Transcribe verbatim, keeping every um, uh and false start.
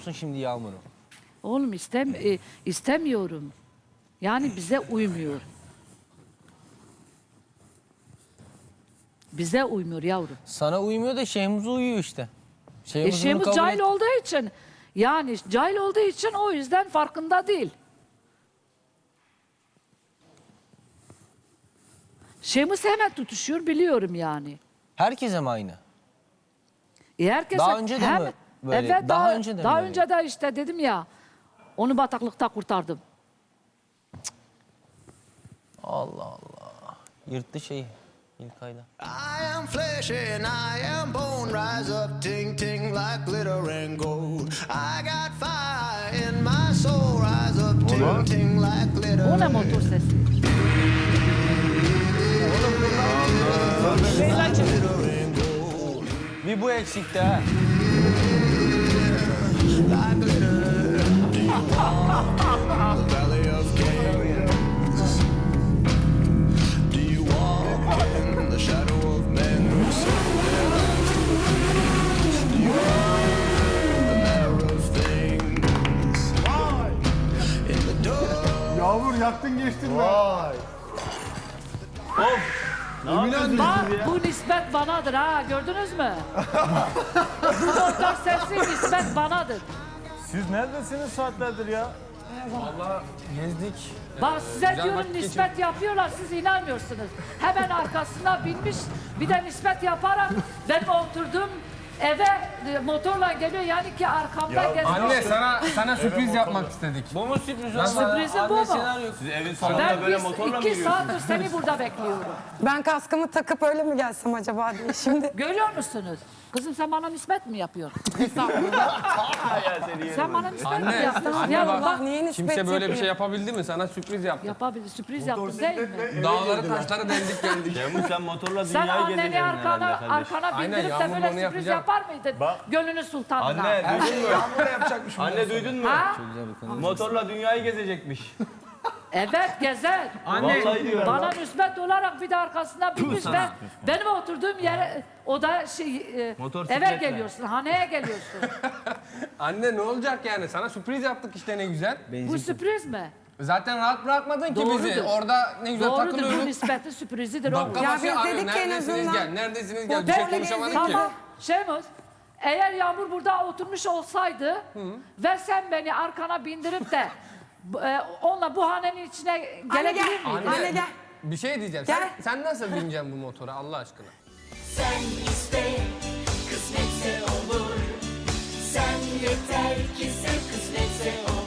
musun şimdi Yağmur'u? Oğlum istem e, istemiyorum. Yani bize uymuyor. Bize uymuyor yavrum. Sana uymuyor da Şehmuz'a uyuyor işte. E Şehmuz bunu Şehmuz kabul cahil et- olduğu için, yani cahil olduğu için o yüzden farkında değil. Şehmuz hemen tutuşuyor biliyorum yani. Herkese mi aynı? E herkes Daha önce de mi böyle? Evet, Daha daha, önce de mi daha böyle? önce de işte dedim ya, onu bataklıkta kurtardım. Allah Allah. Yırttı şeyi İlkay'da. I am flesh and I am bone. Rise up, ting ting like glitter and gold. I got fire in my soul. Rise up, ting ting like glitter. O ne motor sesi? Bir bu eksikti ha. Like glitter. Do you walk in the valley of kings? Do you walk in the shadow of men who sow their lives to the Do you walk in the manner of things? In the dark. Yağmur yaktın geçtin be. Vay. Bak bu nispet banadır ha, gördünüz mü? Bu motor sesi nispet banadır. Siz neredesiniz saatlerdir ya? Vallahi gezdik. Bak size Güzel diyorum vakit nispet yapıyorlar, siz inanmıyorsunuz. Hemen arkasına binmiş, bir de nispet yaparak benim oturduğum eve e, motorla geliyor, yani ki arkamda geziyor. Anne sana sana sürpriz yapmak istedik. Bu mu sürpriz? Sürprizim bu mu? Siz evin salonunda Ben böyle biz motorla mı iki yürüyorsunuz? saattir seni burada bekliyorum. Ben kaskımı takıp öyle mi gelsem acaba diye şimdi. Görüyor musunuz? Kızım sen bana nispet mi yapıyorsun? Sen bana nispet mi Anne, yaptın? anne Yavrum bak, bak, Niye nispet Kimse böyle bir yapıyor? şey yapabildi mi? Sana sürpriz yaptı. yapabilir, sürpriz yaptın değil mi? Dağları taşları deldik geldik. Yağmur sen motorla Sen dünyayı anneni gezeceksin arkana, herhalde kardeşim. arkana Aynen, bindirip de Yağmur böyle onu sürpriz yapacak. yapar mıydın? Gönlünü sultanına. Anne duydun mu? Yağmur da yapacakmış. Anne duydun mu? Ha? Motorla dünyayı gezecekmiş. Evet gezer. Vallahi diyorum. Bana nispet olarak bir de arkasına binmiş ve benim oturduğum yere, o da şey, e, Motor eve sikletle. geliyorsun, haneye geliyorsun. Anne ne olacak yani? Sana sürpriz yaptık işte ne güzel. Bu sürpriz mi? Zaten rahat bırakmadın ki Doğrudur. bizi. Orada ne güzel Doğrudur, bu takılıyorduk. nispeti sürprizidir o. Dakika Ya başı biz arıyor. dedik ki en Neredesiniz azından- gel, neredesiniz gel. Bir Motorla şey konuşamadık ki. Tamam, Şemuz, eğer Yağmur burada oturmuş olsaydı ve sen beni arkana bindirip de e, onunla bu hanenin içine Anne gelebilir gel. miydin? Anne gel. Bir şey diyeceğim. Gel. Sen, sen nasıl bineceksin bu motora Allah aşkına? Sen iste, kısmetse olur. Sen yeter ki sev, kısmetse olur.